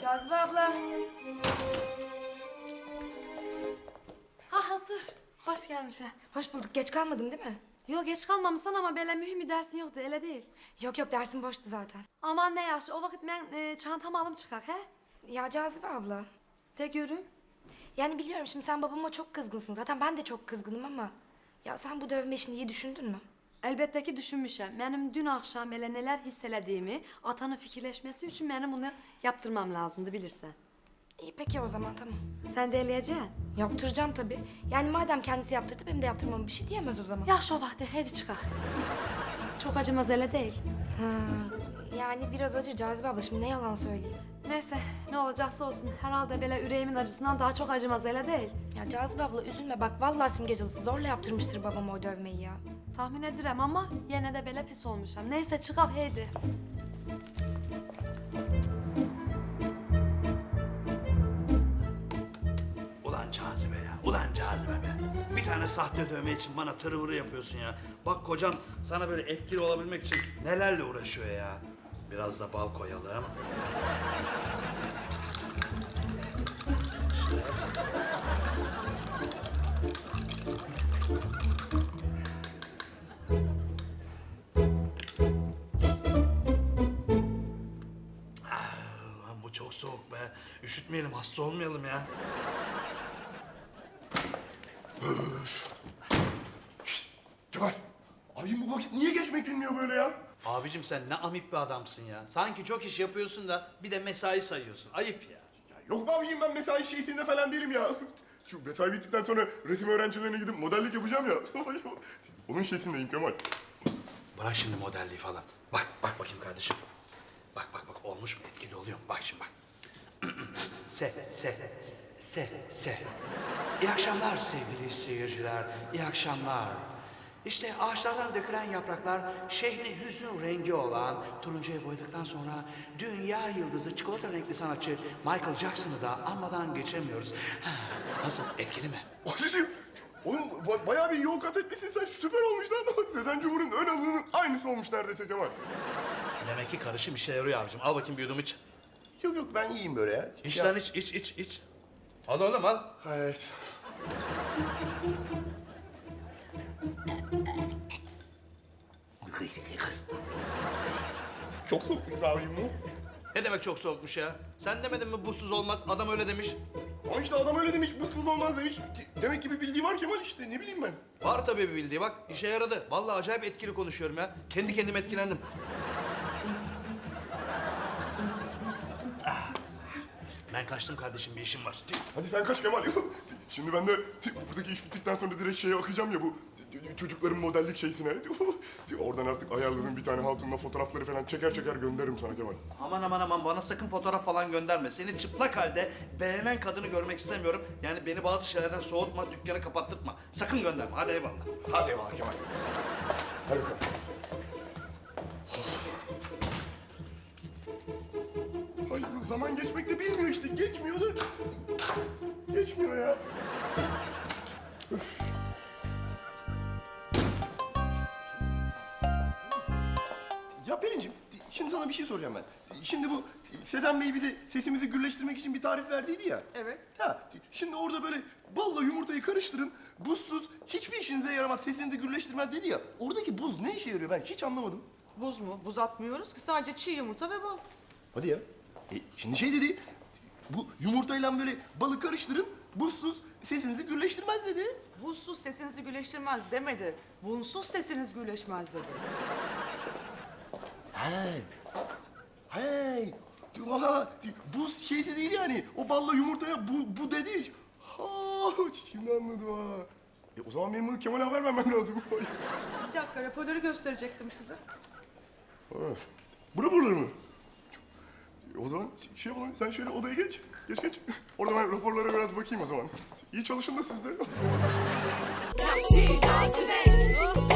Cazibe abla. Ha dur. Hoş gelmişsin. Hoş bulduk. Geç kalmadım değil mi? Yok geç kalmamışsın ama böyle mühim bir dersin yoktu öyle değil. Yok dersim boştu zaten. Aman ne yaş o vakit ben çantamı alıp çıkak he. Ya Cazibe abla. De görüm. Yani biliyorum şimdi sen babama çok kızgınsın. Zaten ben de çok kızgınım ama... Ya sen bu dövme işini iyi düşündün mü? Elbette ki düşünmüşüm. Benim dün akşam böyle neler hisselediğimi atanın fikirleşmesi için benim bunu yaptırmam lazımdı bilirsen. İyi peki o zaman tamam. Sen de eleyeceksin. Yaptıracağım tabii. Yani madem kendisi yaptırdı benim de yaptırmama bir şey diyemez o zaman. Ya şu vakti hadi çıkak. Çok acımaz öyle değil. Yani biraz acı Cazibe abla şimdi ne yalan söyleyeyim. Neyse ne olacaksa olsun. Herhalde böyle yüreğimin acısından daha çok acımaz öyle değil. Ya Cazibe abla üzülme bak vallahi simgecılısı zorla yaptırmıştır babam o dövmeyi ya. Tahmin ederim ama yine de böyle pis olmuşum. Neyse çıkak hadi. Ulan Cazibe ya, ulan Cazibe be. Bir tane sahte dövme için bana tırıvırı yapıyorsun ya. Bak kocan sana böyle etkili olabilmek için nelerle uğraşıyor ya. Biraz da bal koyalım. Ulan bu çok soğuk be. Üşütmeyelim, hasta olmayalım ya. Kemal, abim bu vakit niye geçmek bilmiyor böyle ya? Abicim sen ne amip bir adamsın ya. Sanki çok iş yapıyorsun da bir de mesai sayıyorsun. Ayıp ya. Ya yok be abicim ben mesai şeysinde falan değilim ya. Şu mesai bittikten sonra resim öğrencilerine gidip modellik yapacağım ya. Onun şeysindeyim Kemal. Bırak şimdi modelliği falan. Bak bakayım kardeşim. Bak olmuş mu? Etkili oluyor mu? Bak şimdi bak. Se. İyi akşamlar sevgili seyirciler. İyi akşamlar. İşte ağaçlardan dökülen yapraklar şehri hüzün rengi olan turuncuya boyadıktan sonra dünya yıldızı çikolata renkli sanatçı Michael Jackson'ı da anmadan geçemiyoruz. Nasıl? Etkili mi? Abicim, oğlum bayağı bir yol kat etmişsin sen. Süper olmuş lan. Neden Cumhur'un ön alının aynısı olmuş neredeyse Kemal. Demek ki karışım işe yarıyor abicim. Al bakayım bir yudum iç. Yok ben iyiyim böyle ya. İç lan iç. Al oğlum al. Evet. Çok soğukmuş be abicim bu. Ne demek çok soğukmuş ya? Sen demedin mi buzsuz olmaz? Adam öyle demiş. Ama işte adam öyle demiş, buzsuz olmaz demiş. Demek ki bir bildiği var Kemal işte, ne bileyim ben. Var tabii bir bildiği bak. İşe yaradı. Vallahi acayip etkili konuşuyorum ya. Kendi kendime etkilendim. Ben kaçtım kardeşim bir işim var. Hadi sen kaç Kemal. Şimdi ben de buradaki iş bittikten sonra direkt şeye akacağım ya bu çocukların modellik şeysine. Oradan artık ayarladığım bir tane hatunla fotoğrafları falan çeker gönderirim sana Kemal. Aman bana sakın fotoğraf falan gönderme. Seni çıplak halde beğenen kadını görmek istemiyorum. Yani beni bazı şeylerden soğutma, dükkanı kapattırtma. Sakın gönderme. Hadi eyvallah. Hadi eyvallah Kemal. Hadi bakalım. Ay zaman geçmek de bilmiyor işte. Geçmiyor da. Geçmiyor ya. Öf. Ya Pelin'cim, şimdi sana bir şey soracağım ben. Şimdi bu Sedem Bey bize sesimizi gürleştirmek için bir tarif verdiydi ya. Evet. Ha, şimdi orada böyle balla yumurtayı karıştırın, buzsuz hiçbir işinize yaramaz, sesinizi gürleştirmez dedi ya. Oradaki buz ne işe yarıyor ben hiç anlamadım. Buz mu? Buz atmıyoruz ki sadece çiğ yumurta ve bal. Hadi ya. Şimdi şey dedi, bu yumurtayla böyle balı karıştırın, buzsuz sesinizi gürleştirmez dedi. Buzsuz sesinizi güleştirmez demedi. Bunsuz sesiniz güleşmez dedi. Hey. Aha, buz şeysi değil yani. O balla yumurtaya bu dedi. Ha, şimdi anladım ha. O zaman benim bunu Kemal'e haber vermem lazım. Bir dakika raporları gösterecektim size. Bura mı? O zaman şey yapalım, sen şöyle odaya geç. Geç. Orada ben raporlara biraz bakayım o zaman. İyi çalışın da siz de. Vahşi cazibe.